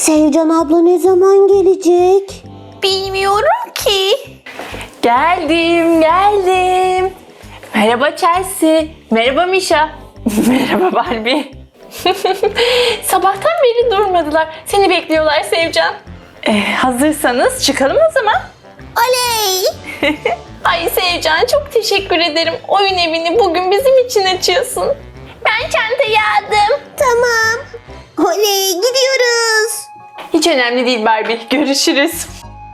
Sevcan abla ne zaman gelecek? Bilmiyorum ki. Geldim. Merhaba Chelsea. Merhaba Misha. Merhaba Barbie. Sabahtan beri durmadılar. Seni bekliyorlar Sevcan. Hazırsanız çıkalım o zaman. Oley! Ay Sevcan, çok teşekkür ederim. Oyun evini bugün bizim için açıyorsun. Ben çantayı aldım. Tamam. Oley, gidiyoruz. Hiç önemli değil Barbie. Görüşürüz.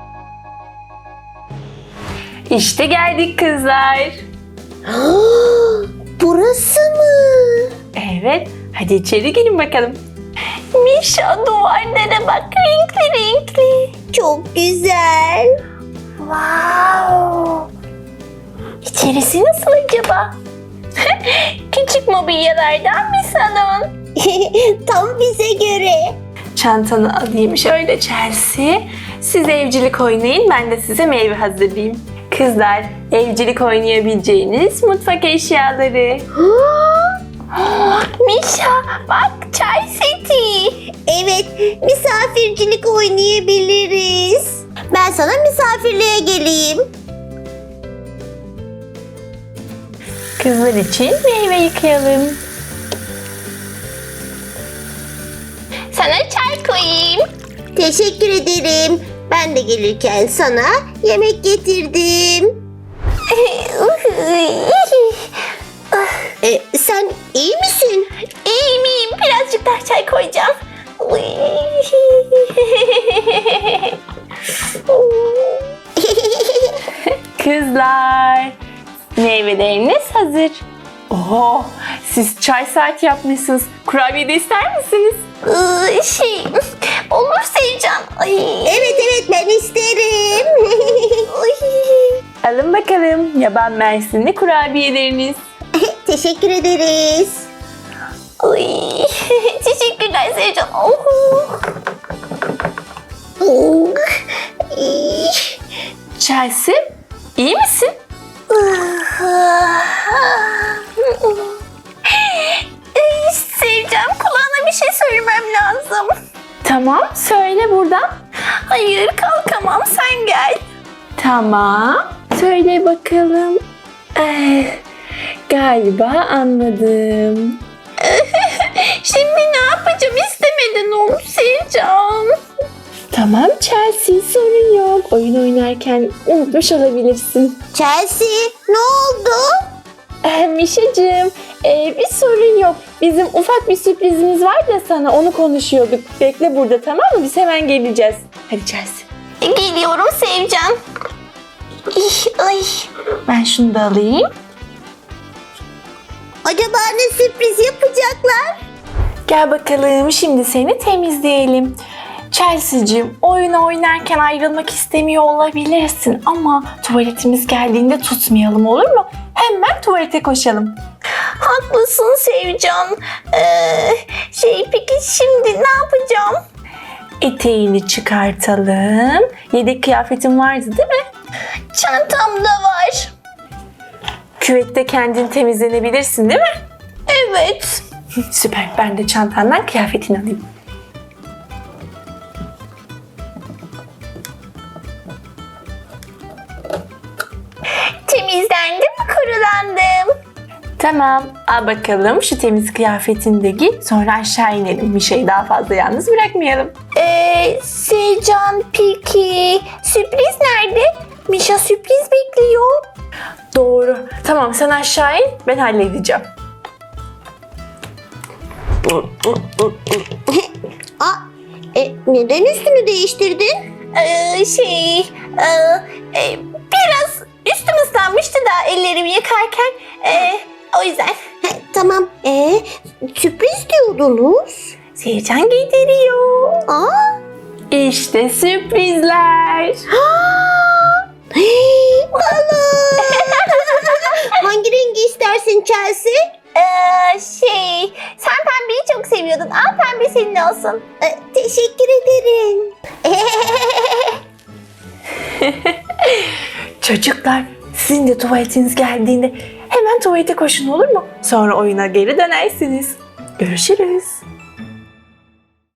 İşte geldik kızlar. Burası mı? Evet. Hadi içeri gelin bakalım. Misha, duvarlara bak, renkli. Çok güzel. Wow. İçerisi nasıl acaba? Küçük mobilyalardan bir salon. Tam bize göre. Çantanı alayım şöyle Chelsea. Siz evcilik oynayın, ben de size meyve hazırlayayım. Kızlar, evcilik oynayabileceğiniz mutfak eşyaları. Misha, bak, çay seti. Evet, misafircilik oynayabiliriz. Ben sana misafirliğe geleyim. Kızlar için meyve yıkayalım. Sana çay koyayım. Teşekkür ederim. Ben de gelirken sana yemek getirdim. Sen iyi misin? İyiyim. Birazcık daha çay koyacağım. Kızlar, meyveleriniz hazır. Oho, siz çay saati yapmışsınız. Kurabiye de ister misiniz? Olur Sevcan. Evet, ben isterim. Alın bakalım yaban mersinli kurabiyeleriniz. Teşekkür ederiz. Teşekkürler Sevcan. Chelsea, iyi misin? Sevcan, kulağına bir şey söylemem lazım. Tamam, söyle buradan. Hayır, kalkamam, sen gel. Tamam, söyle bakalım. Galiba anladım. Şimdi ne yapacağım, istemeden oldu Sevcan. Tamam Chelsea, sorun yok. Oyun oynarken unutmuş olabilirsin. Chelsea, ne oldu? Mişacığım, bir sorun yok. Bizim ufak bir sürprizimiz var da sana, onu konuşuyorduk. Bekle burada, tamam mı? Biz hemen geleceğiz. Hadi Chelsea. Geliyorum Sevcan. Ay. Ben şunu da alayım. Acaba ne sürpriz yapacaklar? Gel bakalım, şimdi seni temizleyelim. Chelsea'cığım, oyun oynarken ayrılmak istemiyor olabilirsin ama tuvaletimiz geldiğinde tutmayalım, olur mu? Hemen tuvalete koşalım. Haklısın Sevcan. Peki şimdi ne yapacağım? Eteğini çıkartalım. Yedek kıyafetin vardı değil mi? Çantamda var. Küvette kendin temizlenebilirsin değil mi? Evet. Süper. Ben de çantandan kıyafetini alayım. Temizlendim, kurulandım. Tamam. Al bakalım şu temiz kıyafetini de giy. Sonra aşağı inelim. Mişa'yı daha fazla yalnız bırakmayalım. Sevcan, peki sürpriz nerede? Mişa sürpriz bekliyor. Doğru. Tamam, sen aşağı in. Ben halledeceğim. Neden üstünü değiştirdin? Biraz üstüm ıslanmıştı da ellerimi yıkarken. O yüzden. Tamam. Sürpriz diyordunuz. Sevcan giydiriyor. İşte sürprizler. Balon. Hangi rengi istersin Chelsea? Sen pembeyi çok seviyordun. Al, pembe senin olsun. Teşekkür ederim. Çocuklar, sizin de tuvaletiniz geldiğinde hemen tuvalete koşun, olur mu? Sonra oyuna geri dönersiniz. Görüşürüz.